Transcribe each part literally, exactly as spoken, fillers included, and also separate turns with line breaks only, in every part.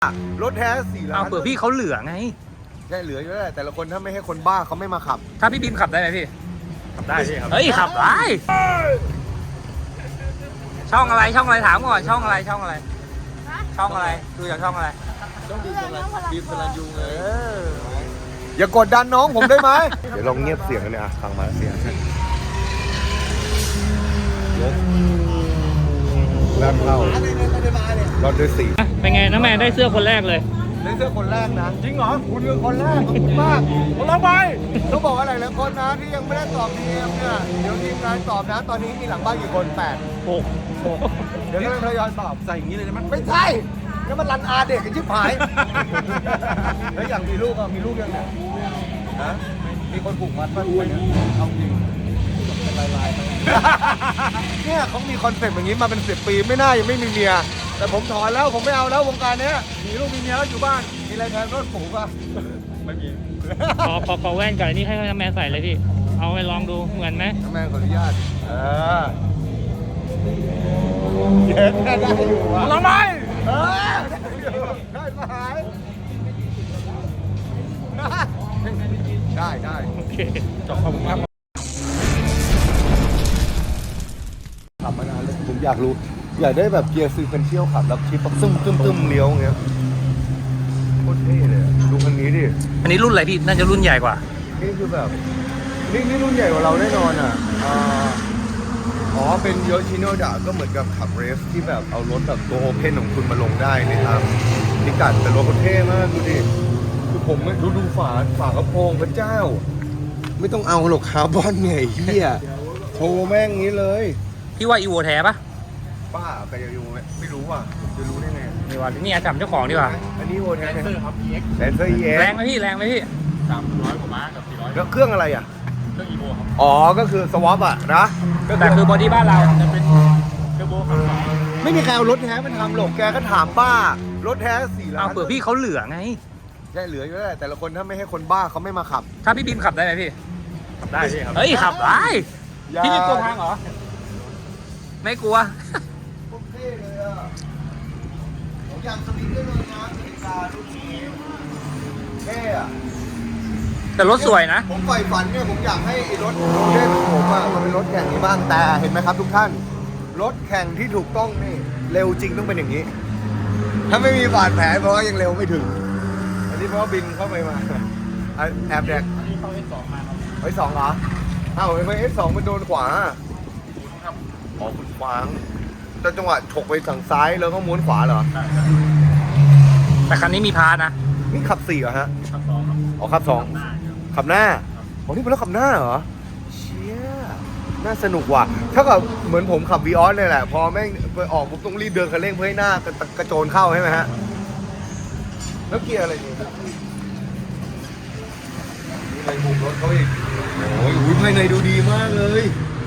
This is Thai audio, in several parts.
รถแท้สี่ล้าน
เอาเผื่อพี่เขาเหลือไง
ใช่เหลืออยู่แล้วแต่ละคนถ้าไม่ให้คนบ้าเขาไม่มาขับ
ถ้าพี่บีมขับได้ไหมพี่
ขับได้พี่ครับ
เฮ้ยขับได้ช่องอะไรช่องอะไรถามก่อนช่องอะไรช่องอะไรช่องอะไรดูจากช่องอะไร
ต้องบีมพลันบีมพลันยูเลยอย่ากดดันน้องผมได้ไหมเดี๋ยวลองเงียบเสียงกันเนี่ยฟังมาเสียงยกแรกเข้ารถด้วยสี
เป็นไงน้าแมนได้เสื้อคนแรกเลย
ได้เสื้อคนแรกนะจริงเหรอคุณคือคนแรกขอบคุณมากเราไปต้องบอกอะไรหลายคนนะที่ยังไม่ได้ตอบดีเอ็มเนี่ยเดี๋ยวทีมงานตอบนะตอนนี้มีหลังบ้านกี่คนแปด
หกหก
เดี๋ยวก็ทยอยตอบ
ใส่อย่างนี้เลยใช่ไหม
ไม่ใช่แล้วมันรันอาเด็กกันชิบหายแล้วอย่างมีลูกอ่ะมีลูกยังไงฮะมีคนผูกมัดป่ะเนี่ยเอาจริงเป็นลายๆเนี่ยเขามีคอนเซ็ปต์อย่างนี้มาเป็นสิบปีไม่น่ายังไม่มีเมียแต่ผมถอนแล้วผมไม่เอาแล้ววงการเนี้ยมีลูกมีเมียแล้วอยู่บ้านมีอะไรแทนรถผูกป่ะ
ไม่มี
ขอขอขอแว่นก่อนนี่ให้น้าแมนใส่เลยพี่เอาไปลองดูเหมือนไหม
น้าแมนขออนุญาตเออเย็นได้อยู่ว่ะ
ลองไหม
เออได้มาหายได้ได้
โอเค
จบขอบคุณมาก
ขับมานานเลยผมอยากรู้อยากได้แบบเกียร์ซีเควนเชียลขับแล้วชิปตึ้มตึ้มตึ้มเลี้ยวอย่างเงี้ยโคตรเท่เลยดูคันนี้ดิ
อันนี้รุ่นอะไรพี่น่าจะรุ่นใหญ่กว่า
นี่คือแบบนี่นี่รุ่นใหญ่กว่าเราแน่นอนอ่ะอ๋อเป็นโยชิโนดะก็เหมือนกับขับเรสที่แบบเอารถแบบตัวโอเพนของคุณมาลงได้ในทางพิกัดแต่รถเขาเท่มากดูดิคือผมดูดูฝาฝากระโปรงพระเจ้าไม่ต้องเอาหรอกคาร์บอนเนี่ยเฮียโชว์แม่งงี้เลย
พี่ว่าอีโวแท้ปะ
ป้าไปอยู่ไม่รู้ว่ะจะรู้ได้ไง
นี่ว่านี่จำเจ้าของดีกว่า
อันนี้โอแท้
แลนเซอร์ครับ อี เอ็กซ์
แลนเซอร์ อี เอ็กซ์
แรงไหมพี่แรงไหมพี่
สามร้อยกว่าม้ากับสี่ร้อย
แล้วเครื่องอะไรอ่ะ
เครื่องอีโวครับ
อ๋อก็คือสวอปอ่ะนะ
แต่คือบอดี้บ้านเรา
จะเป็นเทอร์โบขับสอง
ไม่มีใครเอารถแท้มันทำหรอกแกก็ถามป้ารถแท้สี่ล้าน
เอาเผื่อพี่เขาเหลือไง
ใช่เหลืออยู่แล้วแต่ละคนถ้าไม่ให้คนบ้าเขาไม่มาขับ
ถ้าพี่บีมขับได้ไหมพี่
ขับได้พี่ครับ
เฮ้ยขับได้พี่ไม่กลัวทางเหรอไม่กลัว
โอเคเลยอ่ะผมอยากสวิตช์ได้เลยนะสวิตช์การรุ่นนี้เท่อะ
แต่รถสวยนะ
ผมใฝ่ฝันเนี่ยผมอยากให้รถโรเล่ของผมอะมันเป็นรถแข่งนี้บ้างแต่เห็นไหมครับทุกท่านรถแข่งที่ถูกต้องนี่เร็วจริงต้องเป็นอย่างนี้ ถ้าไม่มีบาดแผลเพราะว่ายังเร็วไม่ถึงอันนี้เพราะบินเข้าไปมาแอบแดก
อันนี้เข้า เอส สอง มาครับ
เอส สองเหรอเอ้าทำไม เอส สอง มันโดนขวา
ครับ
อ๋อคุณขวางแต่จังหวะฉกไปฝั่งซ้ายแล้วก็ม้วนขวาเหรอ
แต่คันนี้มีพาร์ทนะ
นี่ขับสี่เหรอฮะ
ขับสองครับ
อ๋อขับสองขับหน้าอ๋อนี่เป็นรถขับหน้าเหรอเชี่ยน่าสนุกว่ะถ้ากับเหมือนผมขับวีออสเลยแหละพอแม่งไปออกผมต้องรีบเดินคันเร่งเพื่อให้หน้ากระโจนเข้าใช่ไหมฮะแล้วเกียร์อะไรนี่มีอะไรมุมรถเขาอีกโอ้ยอุ้ยภายในดูดีมากเลย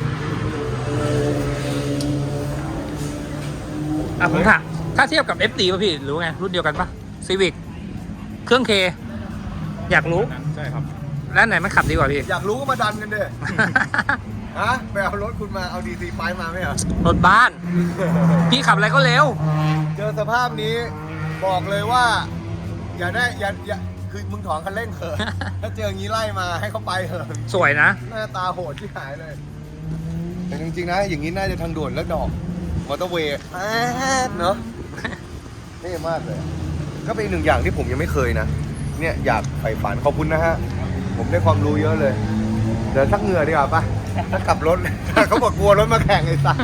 อ่ะผมถามถ้าเทียบกับ เอฟ ดี ป่ะพี่รู้ไงรุ่นเดียวกันป่ะซีวิกเครื่องเคอยากรู้
ใช่ครับ
แล้วไหนมันขับดีกว่าพี่
อยากรู้ก็มาดันกันเด้ฮะไปเอารถคุณมาเอาดีซีไปมาไหมเหรอ
รถบ้านพี่ขับอะไรก็เร็ว
เจอสภาพนี้บอกเลยว่าอย่าได้อย่าอย่าคือมึงถอนคันเร่งเถอะถ้าเจออย่างนี้ไล่มาให้เขาไปเถอะ
สวยนะ
หน้าตาโหดที่หายเลยแต่จริงๆนะอย่างนี้น่าจะทางด่วนแล้วดอกมอเตอร์เวย์เนาะเท่มากเลยก็เป็นหนึ่งอย่างที่ผมยังไม่เคยนะเนี่ยอยากใฝ่ฝันขอบคุณนะฮะผมได้ความรู้เยอะเลยเดี๋ยวทักเหงื่อดีกว่าป่ะถ้ากลับรถเขาบอกกลัวรถมาแข่งไอ้สัส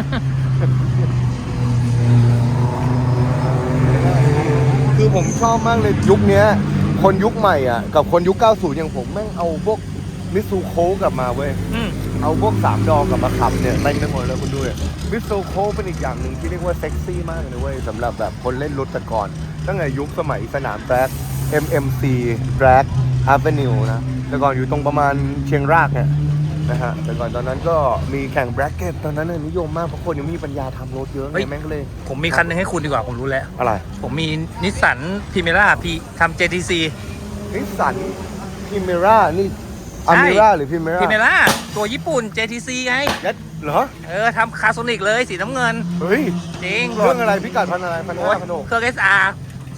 คือผมชอบมากเลยยุคนี้คนยุคใหม่อ่ะกับคนยุคเก้าสิบอย่างผมแม่งเอาพวกมิซูโคกลับมาเว้ยเอาพวกสามดอกลับมาขับเนี่ยเต็มไปหมดเลยคุณดูมิซูโคเป็นอีกอย่างหนึ่งที่เรียกว่าเซ็กซี่มากเลยเว้ยสำหรับแบบคนเล่นรถแต่ก่อนตั้งแต่ยุคสมัยสนามแทร็ก เอ็ม เอ็ม ซี Drag Avenue นะแต่ก่อนอยู่ตรงประมาณเชียงรากเนี่ยนะฮะแต่ก่อนตอนนั้นก็มีแข่งแบล็กเก็ตตอนนั้นนิยมมากเพราะคนยังไม่มีปัญญาทำรถเยอะไงแม่งเลย
ผมมีคันนึงให้คุณดีกว่าผมรู้แล้ว
อะไร
ผมมีนิสสันพิเมร่าพีทำ เจ ที ซี
นิสสันพิเมร่านี่อเมร่าหรือพิเมร่า
พิเมร่าตัวญี่ปุ่น เจ ที ซี ไง
ยัดเหรอ
เออทำคาร์โซนิกเลยสีน้ำเงิน
เฮ้ย
จริง
เรื่องอะไรพิกัดพันอะไรพันห้าพันหก
เครื่อง เอส อาร์
เ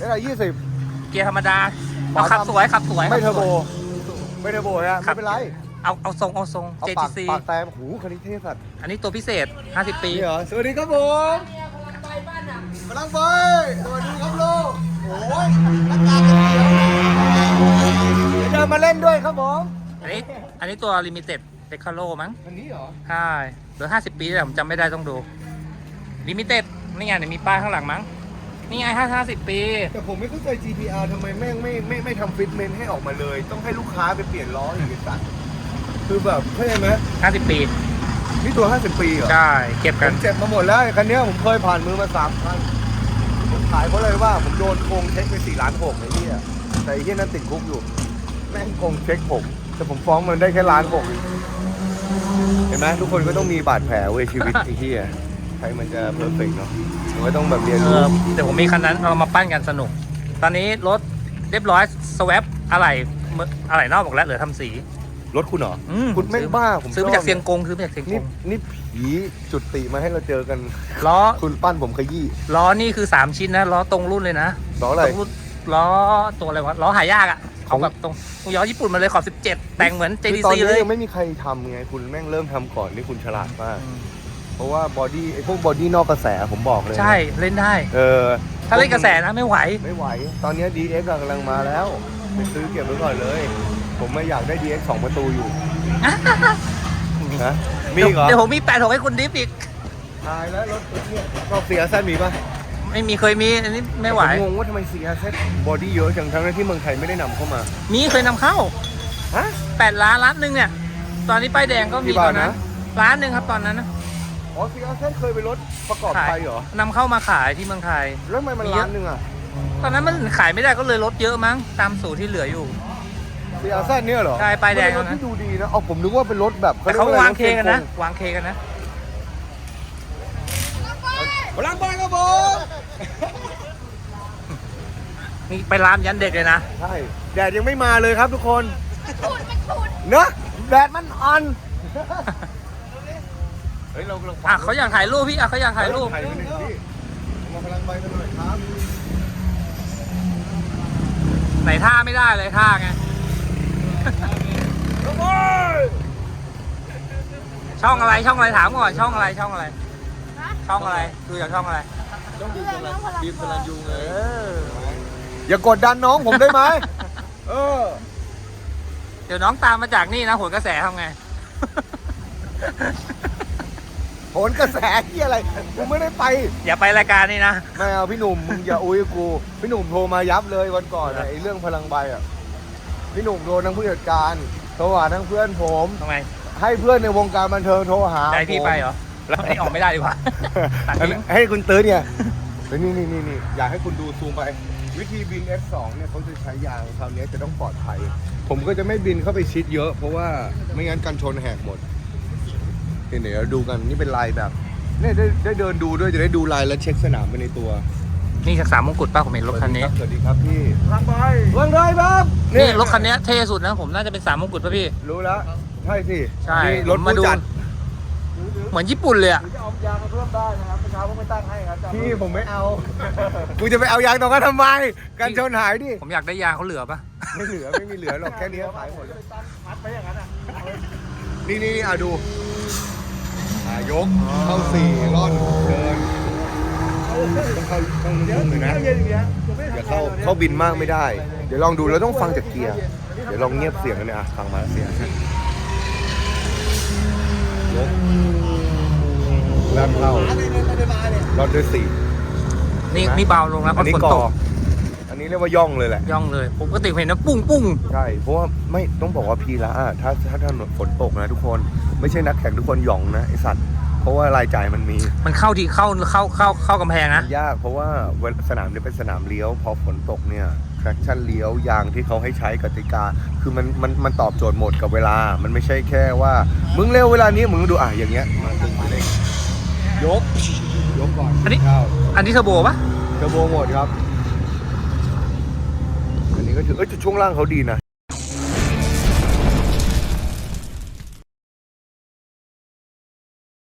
เอสไอยี่สิบ
เกียร์ธรรมดาเอาขับสวยขับสวย
ไม่เทอร์โบ
ขับสวย
ไม่เทอร์โบฮะ
ครั
ไม่
บ
เป็นไร
เอาเอาทรงเอาทรง
เอา
เจ
ปา
ที
ก
ซี
ปากแตมหูคันนี้เท่สัตว์
อันนี้ตัวพิเศษห้าสิบปี
นี่เหรอสวัสดีครับผมกำลังไปสวัสดีครับลูกโอ้ยรักตากันเดียวเดี๋ยวเดินมาเล่นด้วยครับผม
อันนี้อันนี้ตัวลิมิเต็ดเดคาโลมั้ง
อันนี้เหรอ
ใช่เหลือห้าสิบปีแต่ผมจำไม่ได้ต้องดูลิมิเต็ดนี่ไงเดี๋ยวมีป้ายข้างหลังมั้งนี่ไงห้าห้าสิบปี
แต่ผมไม่เข้าใจ จี ที อาร์ ทำไมแม่งไม่ไม่ไม่ทำฟิตเมนต์ให้ออกมาเลย ต้องให้ลูกค้าไปเปลี่ยนล้ออีกไอ้สัตว์คือแบบเข้าใจไหม
ห้าสิบปี
นี่ตัว ห้าสิบ ปีเหรอ
ใช่เก็บ
ผ
กัน
มเจ็บมาหมดแล้วไอ้คันเนี้ยผมเคยผ่านมือมาสามคันผมขายเพราะเลยว่าผมโดนโกงเช็คไปสี่ล้านหกไอ้เหี้ยแต่ไอ้เหี้ยนั้นติดคุกอยู่แม่งโกงเช็คผมแต่ผมฟ้องมันได้แค่ล้านหกเห็นไหมทุกคนก็ต้องมีบาดแผลเว้ยชีวิตไอ้เหี้ยใครมันจะเพอร์เฟกต์เนาะมันก็ต้องแบบเรียน
เอ
รู้
อเดี๋ยวผมมีคันนั้นเรามาปั้นกันสนุก ตอนนี้รถเรียบร้อยสวปอะไรอะไรนอกหมดแล้วเหลือทำสี
รถคุณเหรอ
อืม
คุณแม่ง
ซื้อ
บ้าผม
ซื้อมา
ชบ
จากเซียงกงซื้อมาจากเซียงก
นี่
ง
นี่ผีจุดติมาให้เราเจอกัน
ล้อ
คุณปั้นผมขยี้
ล้อนี่คือสามชิ้นนะล้อตรงรุ่นเลยนะ
ล้ออะไร
ตรงรุ่นล้อตัวอะไรวะล้อหายากอ่ะ
ขอ
เขา
ง
แบบตรงตรงย้อญี่ปุ่นมาเลยขอบสิบเจ็ดแต่งเหมือน
คือตอน
เจ ดี ซี
นี้
เลย
ยังไม่มีใครทำไงคุณแม่งเริ่มทำก่อนนี่คุณฉลาดมาก
อืม
เพราะว่าบอดี้ไอ้พวกบอดี้นอกกระแสผมบอกเลยนะ
ใช่เล่นได้
เออ
ถ้าเล่นกระแสนะไม่ไหว
ไม่ไหว ตอนนี้ ดี เอ็กซ์ กำลังมาแล้วไปซื้อเก็บไว้ก่อนเลย ผมไม่อยากได้ ดี เอ็กซ์ สองประตูอยู่นะมีอีกเหรอ
เดี๋ยวผมมีแปดหกให้คุณดิฟอีก
ตายแล้วรถเนี่ยชอบ ซี อาร์ แซด มีปะ
ไม่มีเคยมีอันนี้ไม่ไหว
ผมงงว่าทำไม ซี อาร์ แซด บอดี้เยอะจังทั้งที่เมืองไทยไม่ได้นำเข้ามา
มีเคยนำเข้า
ฮะ
แปดล้านล้านหนึ่งเนี่ย ตอนนี้ป้ายแดงก็
กี่
มี
บา
ต
ท
อนนั้น
นะ
ล้านหนึ่งครับตอนนั้นนะ
อ๋อ ซี อาร์ แซด เคยเป็นรถประกอบ
ขา
ไท
ย
ยเหรอน
ำเข้ามาขายที่เมืองไทย
แล้วทำไมมัน
มีเยอะ
ล้านหนึ่งอะ
ตอนนั้นมันขายไม่ได้ก็เลยลดเยอะมั้งตามสูตรที่เหลืออยู่
ซี อาร์ แซด เนี่ยเหรอ
ใช่ป้ายแดง
มันเป็นรถ
นะ
ที่ดูดีนะเอาผมนึกว่าเป็นรถแบบ
แต่เขา
รียก
วาง
อะไร
เคกันนะ
รถ
วางเคกันนะ
พลังบอลครับผม
นี่ไปร้านยันเด็กเลยนะ
ใช่แดดยังไม่มาเลยครับทุกคนเนอะแดดมันอ่อนเฮ้ยเรากำลัง
อ่ะเขาอยากถ่ายรูปพี่อ่ะเขาอยากถ่ายรูป
ถ่ายรูปหน่อยพี่มาพลังใบกันหน่อยครับ
ไหนท่าไม่ได้เลยท่าไง
ครับผม
ช่องอะไรช่องอะไรถามก่อนช่องอะไรช่องอะไร ช่องอะไรดูจากช่องอะไร
ต้องบีบพลังบีบพลังยูไงอย่ากดดันน้องผมได้ไหมเออ
เดี๋ยวน้องตามมาจากนี่นะโหนกระแสทำไง
โหนกระแสที่อะไรกูไม่ได้ไป
อย่าไปรายการนี่นะ
ไม่เอาพี่หนุ่มมึงอย่าอุ้ยกูพี่หนุ่มโทรมายับเลยวันก่อนอะไอ้เรื่องพลังใบอ่ะพี่หนุ่มโดนทั้งผู้จัดการโทรหาทั้งเพื่อนผม
ทำไม
ให้เพื่อนในวงการบันเทิงโทรหา
ได้พี่
ผม
ไปเหรอแล้วให้ออกไม่ได้ดีกว่า ตัดทิ้ง
ให้คุณตื้อเนี่ยเฮ้ยนี่นี่นี่นี่อยากให้คุณดูซูมไป วิธีบิน เอฟ สอง เนี่ยเขาจะใช้ยางคราวนี้จะต้องปลอดภัย ผมก็จะไม่บินเข้าไปชิดเยอะ เพราะว่าไม่งั้นกันชนแหกหมดนี่เดี๋ยวเราดูกันนี่เป็นลายแบบเนี่ยได้ได้เดินดูด้วยจะได้ดูลายและเช็คสนามไปในตัว
นี่จากสามมงกุฎป้าผมเห็นรถคันนี้
สวัสดีครับพี่ลังใบลังใบครับ
นี่รถคันนี้เท่สุดนะผมน่าจะเป็นสามมงกุฎป่ะพี่
รู้แล้วใช่สิ
ใช่
นี่รถ
ผมมาดู
ผู้จัด
เหมือนญี่ปุ่นเลยอะ
จะเอายางมาเพิ่มได้นะครับเมื่อเช้าผมไม่ตั้งให้ครับจะเอา
พี่ผมไม่เอา กูจะไปเอายางตรงนั้นทำไม กันชนหายดิ
ผมอยากได้ยางเขาเหลือปะ
ไม่เหลือไม่มีเหลือหรอกแค่นี้ก็ขายหมดแล้ว
ตั้งมัดไปอย่างนั้นอ่ะ
นี่นี่อ่ะดูอ่ะยกเข้าสี่ร่อนเดินต้องเข้าต้องนุ่มๆเลยนะ
เย็นอย่างเงี้ยผมไม่
อย่าเข้าเข้าบินมากไม่ได้ เดี๋ยวลองดูเราต้องฟังจากเกียร์เดี๋ยวลองเงียบเสียงกันเนี่ยอ่ะฟังมาเสียงยกแรงเข้าร่อนด้วยสี่
นี่นี่เบาลงแล้วเพ
อัน
ราะ
นี้
ฝน
ก
ต
อก อันนี้เรียกว่าย่องเลยแหละ
ย่องเลยผมก็ติดเห็นนะปุ้งปุ้ง
ใช่ เพราะว่าไม่ต้องบอกว่าพีละอ่ะถ้าถ้าถนนฝนตกนะทุกคน ไม่ใช่นักแข่งทุกคนหย่องนะไอสัตว์ เพราะว่ารายจ่ายมันมี
มันเข้าทีเข้าเข้าเข้าเข้ากำแพงนะ
มันยากเพราะว่าเวลาสนามนี้เป็นสนามเลี้ยว พอฝนตกเนี่ย traction เลี้ยวยางที่เขาให้ใช้กติกา คือมันมันมันตอบโจทย์หมดกับเวลา มันไม่ใช่แค่ว่า มึงเร็วเวลานี้มึงดูอ่ะอย่างเงี้ยมาตึงไปเลยยก ยกก่อน
อันนี้
เข้า
อันนี้เทอร์โบปะ
เทอร์โบหมดครับ อันนี้ก็ถือเอ้ยแต่ช่วงล่างเขาดีนะ